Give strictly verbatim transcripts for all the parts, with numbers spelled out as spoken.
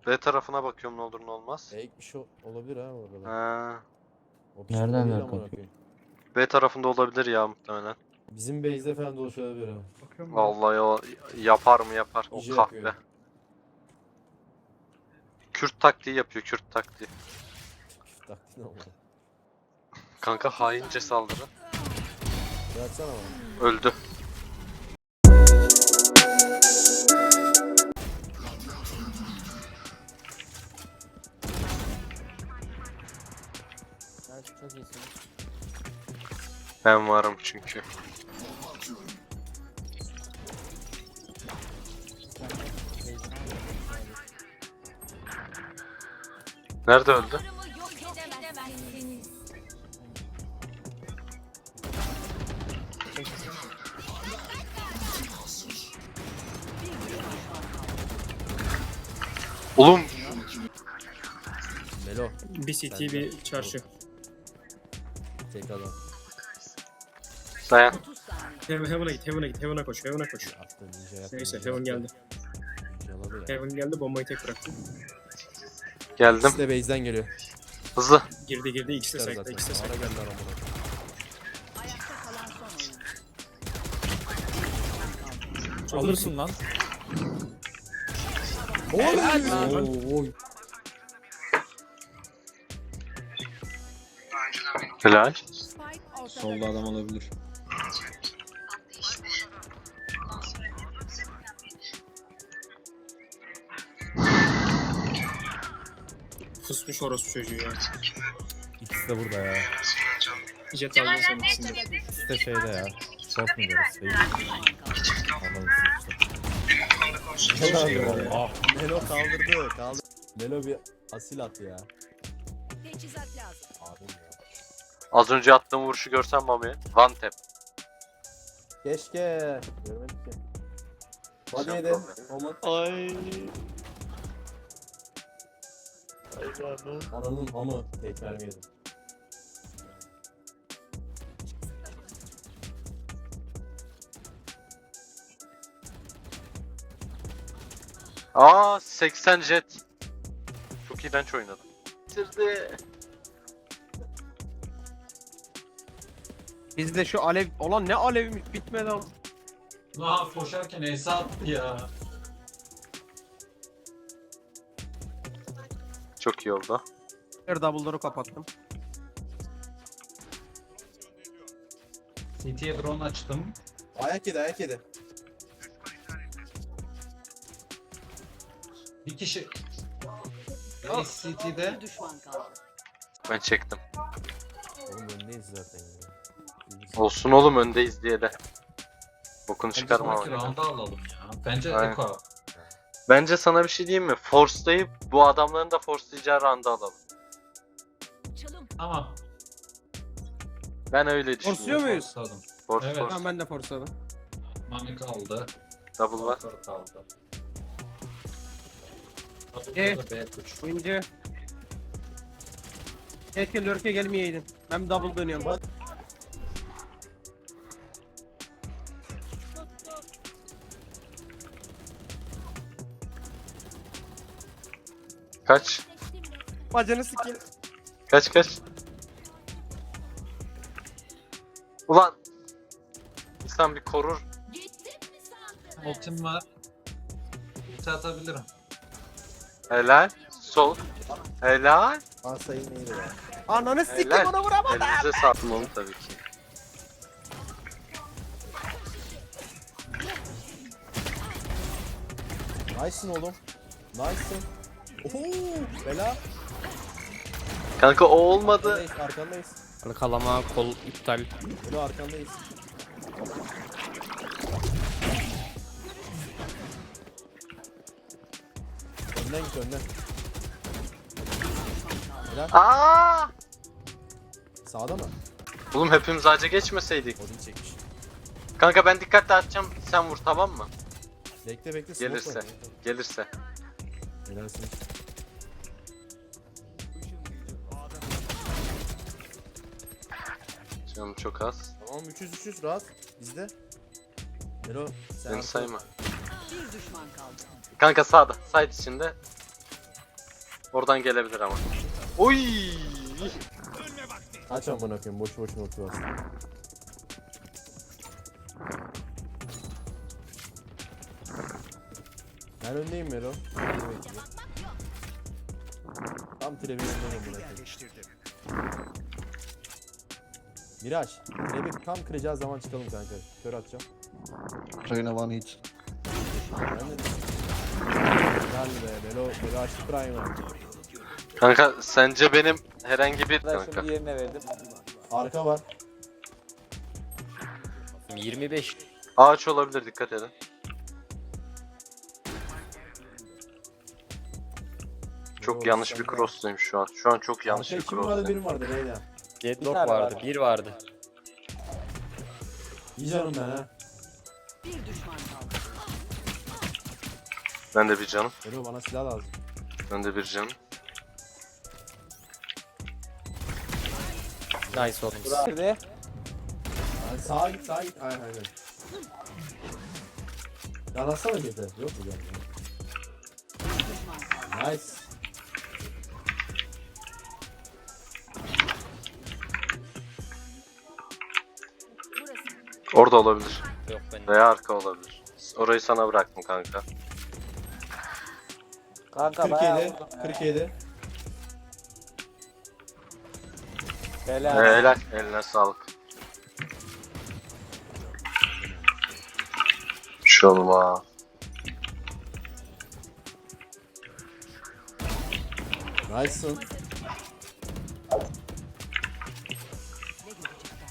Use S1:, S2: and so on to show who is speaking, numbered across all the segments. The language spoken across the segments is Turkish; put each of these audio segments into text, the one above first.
S1: B tarafına bakıyorum ne olur ne olmaz.
S2: Fake bir şey olabilir ha orada.
S1: Ha.
S2: O pişman
S3: Nereden
S2: değil
S3: ver
S2: amına
S3: kanka?
S2: koyayım.
S1: B tarafında olabilir ya muhtemelen.
S2: Bizim base'de falan dolaşabilir ha.
S4: Bakıyorum ben.
S1: Vallahi o yapar mı yapar o
S2: İyice
S1: kahve.
S2: yapıyor.
S1: Kürt taktiği yapıyor, Kürt taktiği.
S2: Taktiğini almadı.
S1: Kanka haince saldırı.
S2: Bıraksana bana.
S1: Öldü.
S3: Sen çok iyisin.
S1: Ben varım çünkü. Nerede öldü? Oğlum
S2: Melo.
S4: Bir city bir çarşı.
S2: Tek adam.
S1: dayan.
S4: Heaven, Heaven'a git, Heaven'a git, Heaven'a koş, Heaven'a koş.
S2: Attı ninja yaptı.
S4: Neyse
S2: ninja
S4: Heaven
S2: yaptı.
S4: geldi.
S2: Ninjaladı ya.
S4: Heaven geldi, bombayı tek bıraktı.
S1: Geldim.
S2: İkisi de base'den geliyor.
S1: Hızlı.
S4: Girdi girdi, ikisi de
S2: Çıkar
S4: site'da,
S2: zaten.
S4: ikisi de
S2: Ara
S4: site'da.
S2: geldiler amına.
S5: Alırsın lan.
S2: Oy.
S1: Helal.
S5: Solda adam olabilir.
S4: Fısmış orospu çocuğu ya.
S2: İkisi de burada ya.
S4: Jet aldı senin ikisini.
S2: İkisi de şeyde ya. Short mu burası değil. Anlamışsın işte. Ah, Melo kaldırdı. Kaldır. Melo bir asil at ya.
S6: Teçhizat lazım.
S2: Abim ya.
S1: Az önce attığım vuruşu görsen Mami. One tap.
S2: Keşke. Görmedik ki. Hadi yedi. Oman.
S5: Ay.
S2: Ananın amı. Tek vermeyelim.
S1: Aa seksen jet. Çok iğrenç oynadım. Bitirdi.
S7: Bizde şu alev olan ne alevimiz bitmedi ama.
S5: La koşarken Esa attı ya.
S1: Çok iyi oldu.
S7: Her double'ları kapattım.
S5: C T'ye drone açtım.
S2: Ayak yedi ayak yedi.
S5: Bir kişi. Reis C T'de.
S6: Bir düşman kaldı.
S1: Ben çektim.
S2: Oğlum öndeyiz zaten ya.
S1: Olsun oğlum öndeyiz diye de. Bokunu
S5: Bence
S1: çıkarma
S5: sonraki
S1: abi.
S5: round'u alalım ya. Bence
S1: Aynen.
S5: Eko.
S1: Bence sana bir şey diyeyim mi? Force'layıp bu adamların da force'layacağı round'u alalım.
S6: Uçalım.
S5: Tamam.
S1: Ben öyle
S7: Force'luyor
S1: düşünüyorum.
S7: muyuz?
S5: Force'ladım.
S1: Force
S5: Evet.
S1: force.
S7: Tamam ben de force'ladım.
S5: Mami kaldı.
S1: Double var.
S5: Motor kaldı.
S7: E?
S5: Double B üç.
S7: Oyuncu. Keşke lurk'e gelmeyeydin. Ben double dönüyorum. Bak.
S1: Kaç?
S7: Bacını sikeyim.
S1: Kaç kaç? Ulan! İnsan bir korur.
S5: Ultim var. Ulti atabilirim.
S1: Helal. Sol. Helal.
S2: Asayı neydi ya?
S7: Ananı sikeyim
S1: Helal.
S7: ona vuramadım.
S1: Elinize sağlık oğlum tabii ki.
S2: Nice'sın oğlum. Nice'sın. Oho! Bela.
S1: Kanka o olmadı.
S2: Arkandayız, arkandayız.
S7: Kalama kol iptal.
S2: Belo arkandayız. Önden git önden. Helal.
S1: Aa!
S2: Sağda mı?
S1: Oğlum hepimiz ağaca geçmeseydik.
S2: Odin çekmiş.
S1: Kanka ben dikkatli atacağım. Sen vur tamam mı?
S2: Bekle bekle. smoke
S1: Gelirse.
S2: var.
S1: Gelirse.
S2: Helalsin.
S1: Canım çok az.
S2: Tamam üç yüz üç yüz rahat. Bizde. Melo sen
S1: Beni
S2: arka-
S1: sayma.
S6: Bir düşman kaldı.
S1: Kanka sağda. Side içinde. Oradan gelebilir ama. Oy!
S2: Aç amına koyayım boş boşuna oturuyorsun. Ben öndeyim Melo. Beni bekliyor. Tam trebi yanındayım amına koyayım. Miraç, trebi tam kıracağı zaman çıkalım kanka. Kör atacağım.
S3: Reyna one hit.
S2: Ben de... Gel be Melo, Melo açtı Prime'ı.
S1: Kanka sence benim herhangi bir
S8: Ben
S1: kanka.
S8: şimdi yerine verdim.
S2: Arka var.
S7: yirmi beş.
S1: Ağaç olabilir, dikkat edin. Çok
S2: Melo,
S1: yanlış
S2: sen
S1: bir
S2: de-
S1: cross'tayım şu an. Şu an çok yanlış
S2: Arka
S1: bir
S2: iki mi vardı,
S1: cross'tayım.
S2: bir mi vardı Reyna?
S7: Deadlock
S8: tane
S7: vardı,
S8: var.
S7: bir vardı.
S2: İyi canım ben ha.
S6: Bir düşman kaldı.
S1: Ben de bir canım.
S2: Melo bana silah lazım.
S1: Ben de bir canım.
S7: Nice oğlum.
S8: Nerede?
S2: Yani sağa git, sağa git. Aynen aynen. Yan atsana bir de. Yok mu yani?
S6: Bir düşman kaldı.
S2: Nice.
S6: Burası.
S1: Orada olabilir.
S7: Yok benim.
S1: Veya arka olabilir. Orayı sana bıraktım kanka.
S8: Kanka bayağı
S2: kırk yedi.
S8: vurdum ya.
S2: kırk yedi.
S8: Helal.
S1: Ee, helal. Eline sağlık. Bir şey olmaz.
S2: Nice'sın.
S6: Ne görecekler?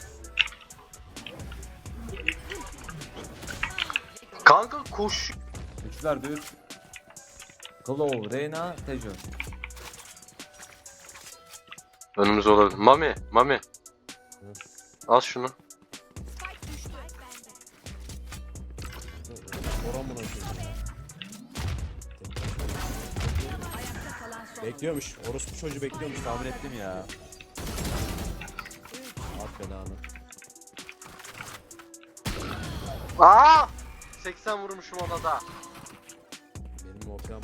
S1: Kanka koş.
S9: Üçler düz. Claw, Reyna, Tejo.
S1: Önümüz olabilir. Mami, Mami. Al şunu.
S6: Spike düştü. Bende.
S2: Oran buna koyayım ya.
S6: Ayakta kalan son.
S2: Bekliyormuş. Orospu çocuğu bekliyormuş. Tahmin et.
S9: Ettim ya.
S2: At belanı.
S1: Aa! seksen vurmuşum ona da.
S2: Benim okuyamam.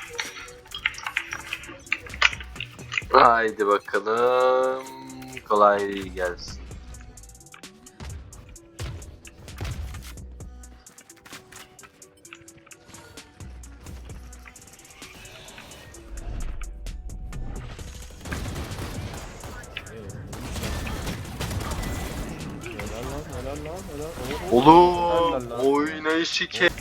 S1: Haydi bakalım. Kolay gelsin.
S2: Helal lan, helal lan, helal. Oo.
S1: Oğlum, oynayışı ke...
S6: Spike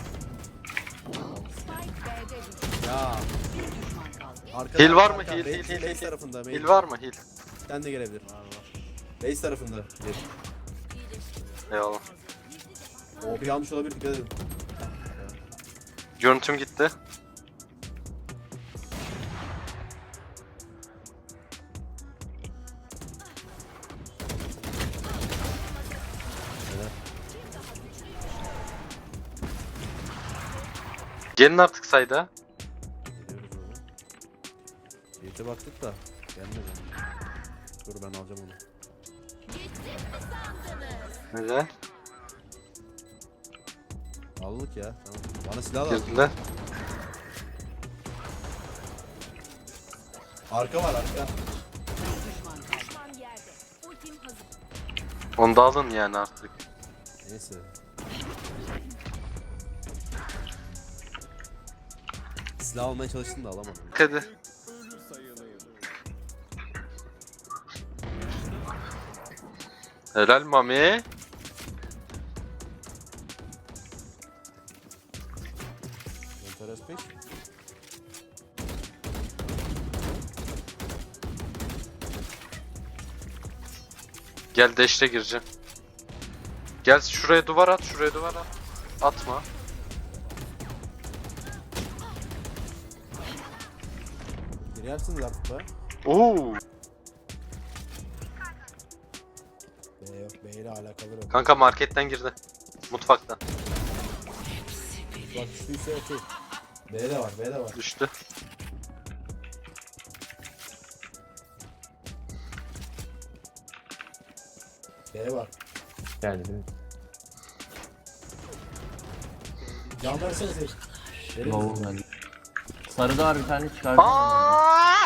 S6: B'de düştü.
S2: Ya.
S6: Bir düşman kaldı.
S2: Arkada,
S1: Heal var mı?
S2: arka,
S1: Heal,
S2: base-
S1: heal, heal,
S2: base
S1: heal.
S2: tarafında. Base.
S1: Heal var mı? Heal.
S2: Sen de gelebilir. Var var. Base tarafında. Bir.
S1: Eyvallah.
S2: O bir almış olabilir, dikkat edin.
S1: Görüntüm gitti. Gelin artık sayda.
S2: Geliyoruz oğlum. Birte baktık da. Gelmedi. Dur ben alacağım onu.
S1: Neden?
S2: Aldık ya. Tamam. Bana silah lazım.
S1: Girdiler.
S2: Arka var arka.
S6: Bir düşman kaldı. Düşman yerde. Ultim hazır.
S1: Onu da alın yani artık.
S2: Neyse. Silah almaya çalıştım da alamadım.
S1: Hadi. Helal Mami.
S2: Monteres pek.
S1: Gel dash'te gireceğim. Gel şuraya duvar at, şuraya duvar at. Atma.
S2: Girersiniz artık be.
S1: Oo.
S2: B yok. B ile alakalı yok.
S1: Kanka marketten girdi. Mutfaktan.
S2: Bak düştüyse okey. B de var, B de var.
S1: Düştü.
S2: B var.
S9: Geldi.
S2: Can versenize. Verir
S9: Low
S2: misin?
S9: geldi. Sarıda var bir tane çıkardım.
S1: Aa!